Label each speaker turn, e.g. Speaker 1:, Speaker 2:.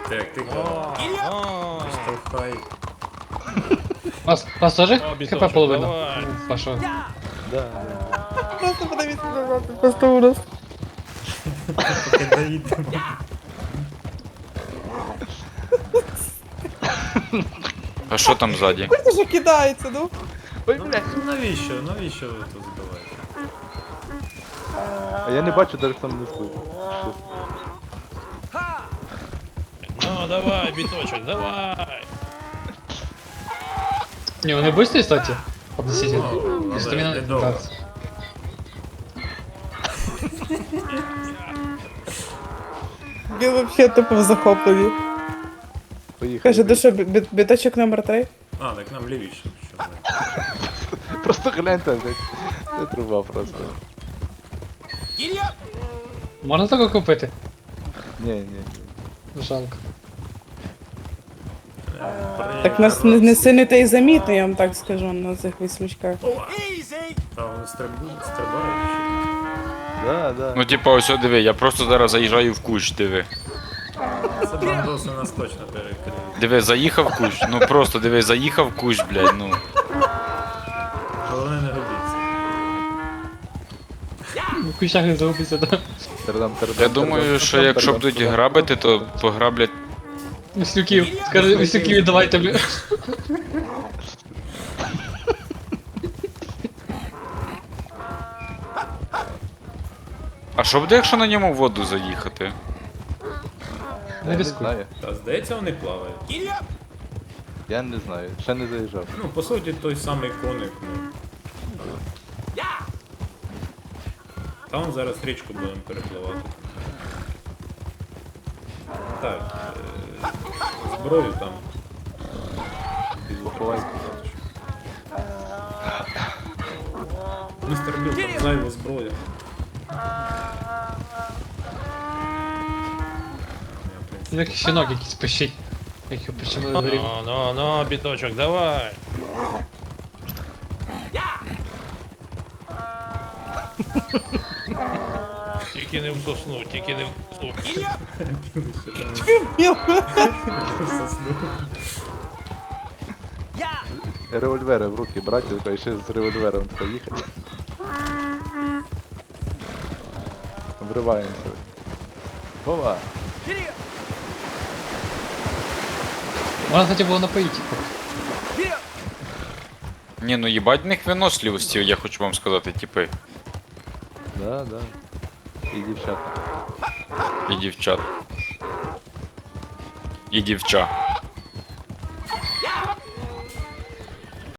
Speaker 1: Так, ти штовхай.
Speaker 2: Вас тоже
Speaker 3: Біточок,
Speaker 2: хп половина?
Speaker 3: давай.
Speaker 2: Паша.
Speaker 4: Да.
Speaker 5: Просто подивіться назад, це просто ужас.
Speaker 1: Поки доїдемо.
Speaker 6: А що там ззаді?
Speaker 5: Це ж кидається, ну.
Speaker 4: Ой,
Speaker 1: Ну,
Speaker 4: блядь.
Speaker 1: навіщо? Навіщо ви тут збиваєте?
Speaker 4: А я не бачу, даже там не слышу.
Speaker 3: Ну, давай, біточок, давай.
Speaker 2: Не, он и быстрый, кстати. Относительно.
Speaker 1: Ну,
Speaker 2: И стамина
Speaker 1: але недовго.
Speaker 2: 15.
Speaker 5: Він вообще тупо в захопленні.
Speaker 4: Поїхали.
Speaker 5: Каже, ну що, біточок номер 3?
Speaker 1: А, так нам лівіше. Що ми?
Speaker 4: Просто гляньте, блядь. Це труба просто.
Speaker 2: Можна таке купити?
Speaker 4: Не.
Speaker 2: Жалко.
Speaker 5: Так нас не сильно та й замітно, я вам так скажу, на цих віслючках.
Speaker 1: А вони стрибають?
Speaker 4: Да.
Speaker 6: Ну типа ось диви, я просто зараз заїжджаю в кущ, диви.
Speaker 1: Це бандоси нас точно перекриють.
Speaker 6: Диви, заїхав в кущ, ну просто диви, заїхав в кущ, блядь, ну.
Speaker 1: Головне не губіться.
Speaker 2: В кущах не загубиться, да?
Speaker 4: Тердам.
Speaker 6: Я думаю, що якщо будуть грабити, то пограблять.
Speaker 2: Віслюків. Скажи, віслюків віддавайте, бля.
Speaker 6: А що буде, якщо на ньому в воду заїхати?
Speaker 2: Не
Speaker 4: Не
Speaker 2: рискуй.
Speaker 4: знаю.
Speaker 1: Та здається, вони плавають.
Speaker 4: Я не знаю. Ще не заїжджав.
Speaker 1: Ну, по суті, той самий коник, ну. Там зараз річку будемо перепливати. Так, зброю там.
Speaker 4: Підлоховайся.
Speaker 1: Містер Біл, там зайва зброя.
Speaker 2: Як щенок якийсь пищить. Як його причому дворі.
Speaker 3: Ну, біточок, давай. Тільки не в сосну, тільки не в сосну.
Speaker 4: Револьвери в руки брати, і ще з револьвером поїхати. Вриваємося. Вова!
Speaker 2: Можна, кстати, було напоїти. типу.
Speaker 6: Ні, ну їбать в них виносливості, я хочу вам сказати, типи.
Speaker 4: Да. І дівчата.
Speaker 6: І дівчат. І дівча.